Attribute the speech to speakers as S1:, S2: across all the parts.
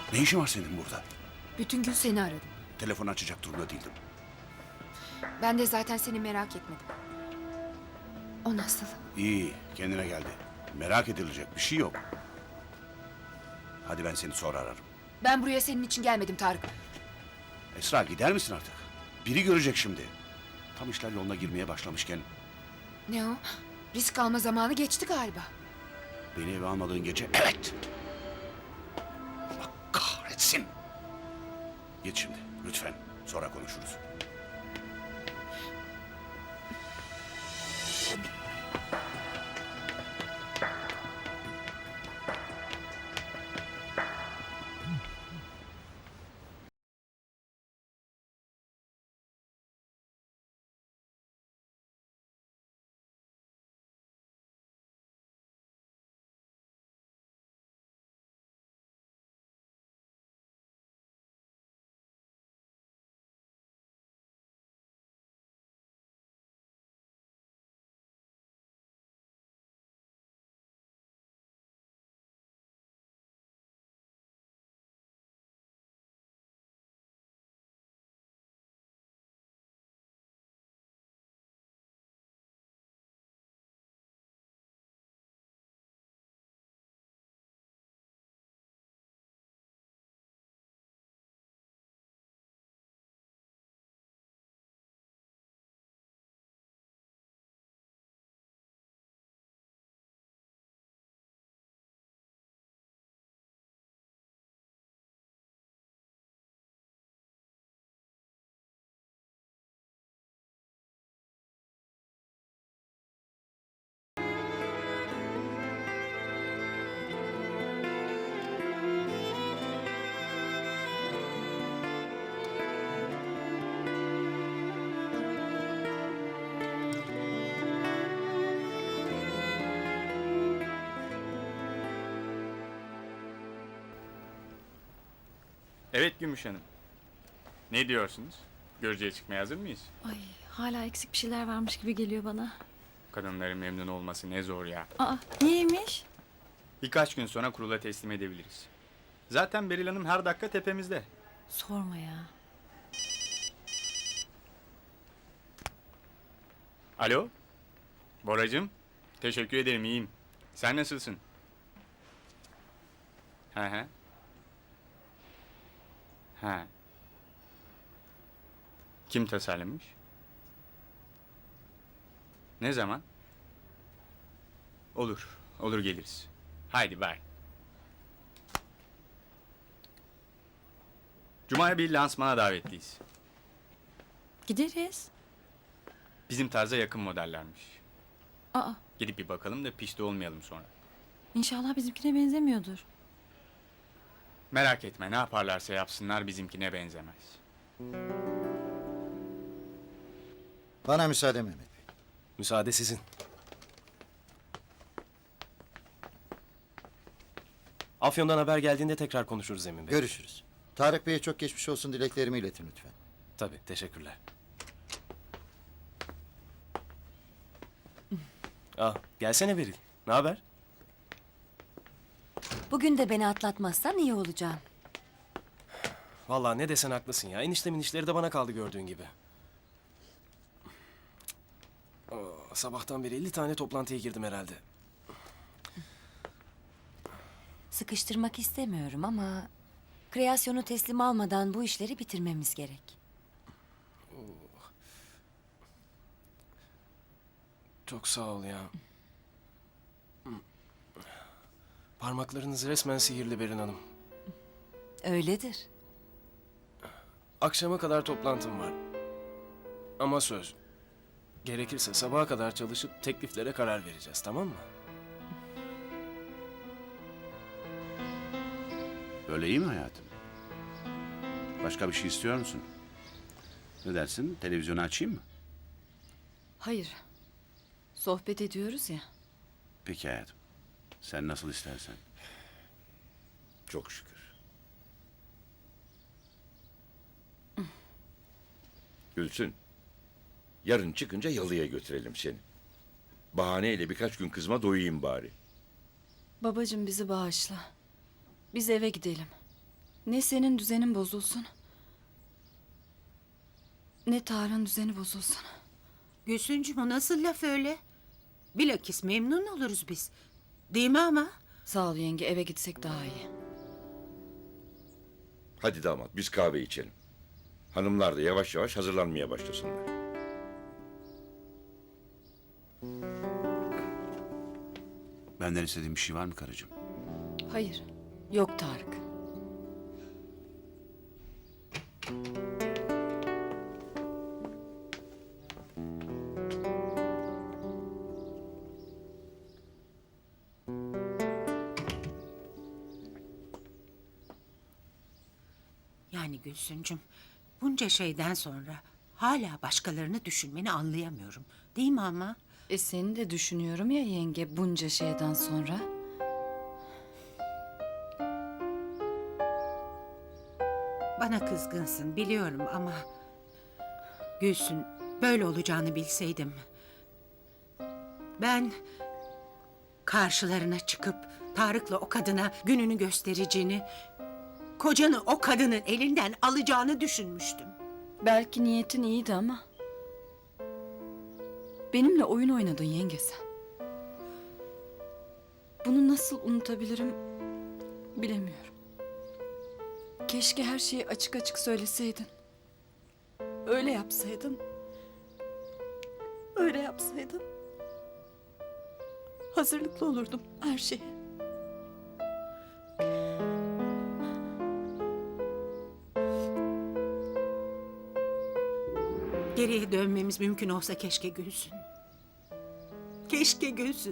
S1: Ne işin var senin burada?
S2: Bütün gün seni aradım.
S1: Telefon açacak durumda değildim.
S2: Ben de zaten seni merak etmedim. O nasıl?
S1: İyi, kendine geldi. Merak edilecek bir şey yok. Hadi ben seni sonra ararım.
S2: Ben buraya senin için gelmedim Tarık.
S1: Esra gider misin artık? Biri görecek şimdi. Tam işler yoluna girmeye başlamışken
S2: Ne o? Risk alma zamanı geçti galiba.
S1: beni eve almadığın gece evet. Allah kahretsin. Git şimdi lütfen. Sonra konuşuruz.
S3: Evet Gümüş Hanım. Ne diyorsunuz? Görücüye çıkmaya hazır mıyız?
S4: Ay, hala eksik bir şeyler varmış gibi geliyor bana.
S3: Kadınların memnun olması ne zor ya.
S4: Aa, niyeymiş?
S3: Birkaç gün sonra kurula teslim edebiliriz. Zaten Beril Hanım her dakika tepemizde.
S4: Sorma ya.
S3: Alo? Boracığım? Teşekkür ederim, iyiyim. Sen nasılsın? Hı hı. Ha. Kim tasarlamış? Ne zaman? Olur, olur geliriz. Haydi bye. Cuma'ya bir lansmana davetliyiz.
S4: Gideriz.
S3: Bizim tarza yakın modellermiş.
S4: Aa,
S3: Gidip bir bakalım da pişti olmayalım sonra.
S4: inşallah bizimkine benzemiyordur.
S3: Merak etme, ne yaparlarsa yapsınlar bizimkine benzemez.
S5: Bana müsaade Mehmet Bey.
S6: Müsaade sizin. Afyon'dan haber geldiğinde tekrar konuşuruz Emin Bey.
S5: Görüşürüz. Tarık Bey'e çok geçmiş olsun dileklerimi iletin lütfen.
S6: Tabii, teşekkürler. Gelsene Beril. Ne haber?
S7: Bugün de beni atlatmazsan iyi olacağım.
S6: Vallahi ne desen haklısın ya. Eniştemin işleri de bana kaldı gördüğün gibi. Sabahtan beri 50 tane toplantıya girdim herhalde.
S7: Sıkıştırmak istemiyorum ama... kreasyonu teslim almadan bu işleri bitirmemiz gerek.
S6: Çok sağ ol ya. Parmaklarınız resmen sihirli Berin Hanım.
S7: Öyledir.
S6: Akşama kadar toplantım var. Ama söz. Gerekirse sabaha kadar çalışıp tekliflere karar vereceğiz, tamam mı?
S1: Böyle iyi mi hayatım? Başka bir şey istiyor musun? Ne dersin? Televizyonu açayım mı?
S2: Hayır. Sohbet ediyoruz ya.
S1: Peki hayatım. Sen nasıl istersen.
S8: Çok şükür. Gülsün. Yarın çıkınca yalıya götürelim seni. Bahaneyle birkaç gün kızma doyayım bari.
S2: Babacığım bizi bağışla. Biz eve gidelim.
S4: Ne senin düzenin bozulsun, ne Tarık'ın düzeni bozulsun.
S9: Gülsüncüm, o nasıl laf öyle? Bilakis memnun oluruz biz. Değil mi ama?
S4: Sağ ol yenge, eve gitsek daha iyi.
S8: Hadi damat biz kahve içelim. Hanımlar da yavaş yavaş hazırlanmaya başlasınlar.
S1: Benden istediğin bir şey var mı karıcığım?
S4: Hayır, yok Tarık.
S9: Yani Gülsüncüm, bunca şeyden sonra hala başkalarını düşünmeni anlayamıyorum. Değil mi ama?
S4: Seni de düşünüyorum ya yenge, bunca şeyden sonra.
S9: Bana kızgınsın biliyorum ama... Gülsün, böyle olacağını bilseydim... Ben... Karşılarına çıkıp Tarık'la o kadına gününü göstereceğini... Kocanı o kadının elinden alacağını düşünmüştüm.
S4: Belki niyetin iyiydi ama... Benimle oyun oynadın yenge sen. Bunu nasıl unutabilirim bilemiyorum. Keşke her şeyi açık açık söyleseydin. Öyle yapsaydın. Öyle yapsaydın. Hazırlıklı olurdum her şeye.
S9: Geriye dönmemiz mümkün olsa keşke Gülsün. Keşke Gülsün.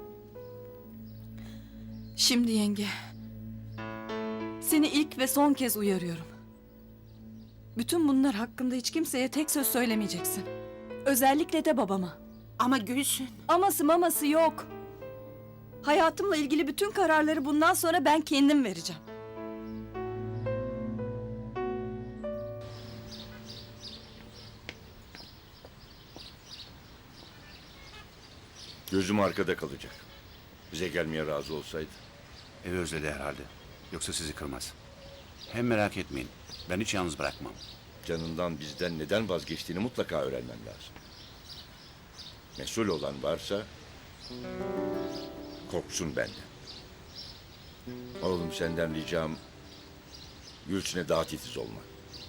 S4: Şimdi yenge. Seni ilk ve son kez uyarıyorum. Bütün bunlar hakkında hiç kimseye tek söz söylemeyeceksin. Özellikle de babama.
S9: Ama Gülsün...
S4: Aması maması yok. Hayatımla ilgili bütün kararları bundan sonra ben kendim vereceğim.
S8: Gözüm arkada kalacak. Bize gelmeye razı olsaydı.
S1: Evi özledi herhalde. Yoksa sizi kırmaz. Hem merak etmeyin. Ben hiç yalnız bırakmam.
S8: Canından bizden neden vazgeçtiğini mutlaka öğrenmem lazım. Mesul olan varsa korksun benden. Oğlum senden ricam Gülsün'e daha titiz olmak.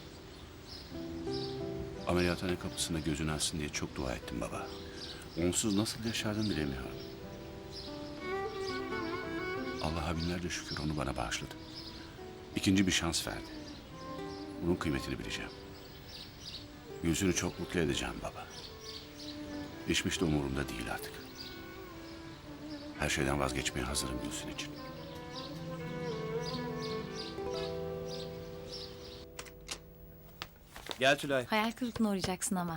S1: Ameliyathane kapısında gözünü açsın diye çok dua ettim baba. Onsuz nasıl yaşardım bilemiyorum. Allah'a binlerce şükür onu bana bağışladı. İkinci bir şans verdi. Bunun kıymetini bileceğim. Gülsün'ü çok mutlu edeceğim baba. İşmiş de umurumda değil artık. Her şeyden vazgeçmeye hazırım Gülsün için.
S6: Gel Tülay.
S4: Hayal kırıklığına uğrayacaksın ama.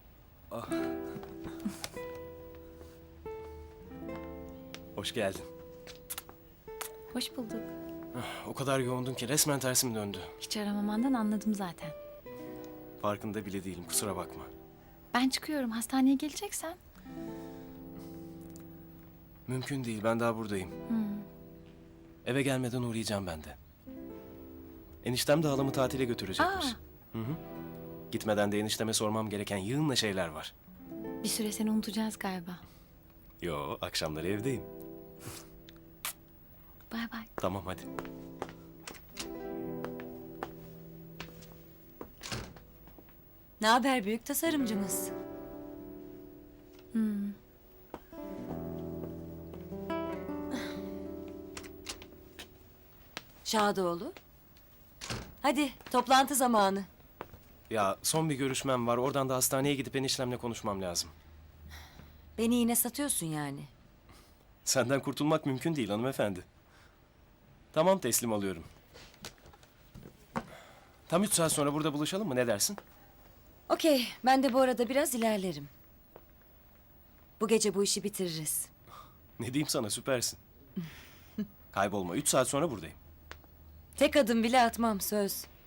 S6: Hoş geldin.
S4: Hoş bulduk.
S6: O kadar yoğundun ki resmen tersim döndü.
S4: Hiç aramamandan anladım zaten.
S6: Farkında bile değilim, kusura bakma.
S4: Ben çıkıyorum. Hastaneye geleceksen.
S6: Mümkün değil, ben daha buradayım. Eve gelmeden uğrayacağım ben de. Eniştem de halamı tatile götürecekmiş. Hı hı. Gitmeden de enişteme sormam gereken yığınla şeyler var.
S4: Bir süre seni unutacağız galiba.
S6: Yo, akşamları evdeyim.
S4: Bay bay.
S6: Tamam hadi.
S7: Ne haber büyük tasarımcımız? Şadoğlu. Hadi toplantı zamanı.
S6: Ya son bir görüşmem var, oradan da hastaneye gidip eniştemle konuşmam lazım.
S7: Beni yine satıyorsun yani.
S6: Senden kurtulmak mümkün değil hanımefendi. Tamam, teslim alıyorum. Tam 3 saat sonra burada buluşalım mı, ne dersin?
S7: Okey, ben de bu arada biraz ilerlerim. Bu gece bu işi bitiririz.
S6: Ne diyeyim sana, süpersin. Kaybolma, 3 saat sonra buradayım.
S7: Tek adım bile atmam, söz.